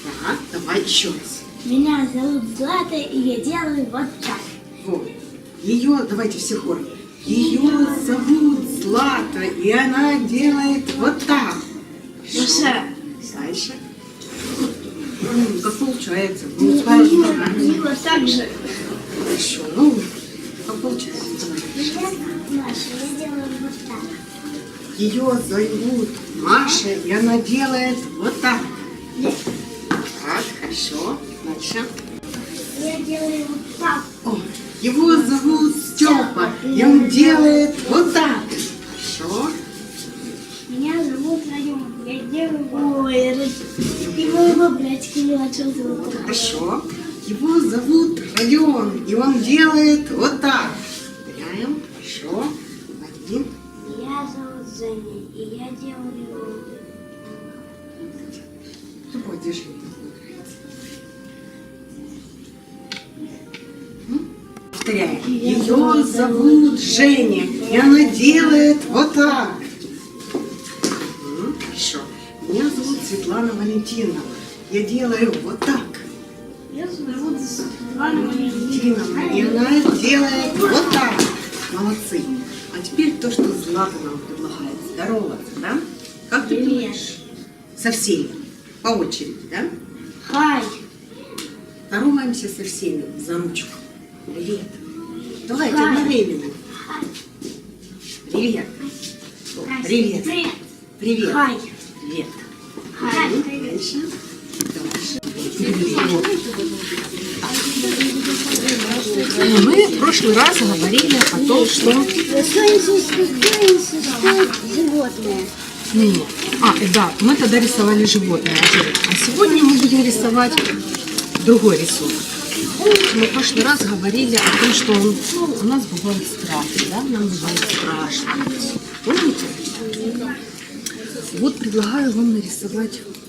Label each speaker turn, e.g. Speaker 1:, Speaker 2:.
Speaker 1: Так, давай еще раз.
Speaker 2: Меня зовут Злата, и я делаю вот так.
Speaker 1: Вот. Ее, давайте все хором. Ее зовут Злата, и она делает вот так.
Speaker 2: Хорошо.
Speaker 1: Дальше. Как получается?
Speaker 2: И вот так же.
Speaker 1: Хорошо. Ну, как получается?
Speaker 2: Маша, я делаю вот так.
Speaker 1: Ее зовут Маша, и она делает вот так. Так, хорошо. Дальше.
Speaker 2: Я делаю вот так.
Speaker 1: О, его зовут Степа, и он делает вот так. Хорошо.
Speaker 2: Меня зовут Район. Я делаю... Ой, и моего братика младшего зовут Район.
Speaker 1: Хорошо. Его зовут Родион, и он делает вот так. Повторяем. Хорошо. Один.
Speaker 2: Меня зовут Женя, и я делаю...
Speaker 1: Какое движение нравится? Повторяем. Ее зовут Женя, и она делает вот так. Хорошо. Меня зовут Светлана Валентиновна. Я делаю вот так.
Speaker 2: Меня зовут Светлана
Speaker 1: Валентиновна, и она делает вот так. Молодцы. А теперь то, что Злата нам предлагает. Здороваться, да? Как ты думаешь? Со всеми. По очереди, да?
Speaker 2: Хай.
Speaker 1: Здороваемся со всеми за ручку. Привет. Давайте
Speaker 2: Хай.
Speaker 1: одновременно. Привет. О, привет.
Speaker 2: Привет.
Speaker 1: Привет.
Speaker 2: Хай.
Speaker 1: Привет.
Speaker 2: Хай.
Speaker 1: Дальше. Дальше. Мы в прошлый раз говорили о том, что...
Speaker 2: Животное.
Speaker 1: Нет. Да, мы тогда рисовали животное. А сегодня мы будем рисовать другой рисунок. Мы в прошлый раз говорили о том, что у нас бывает страшно, да? Нам бывает страшно. Помните? Вот предлагаю вам нарисовать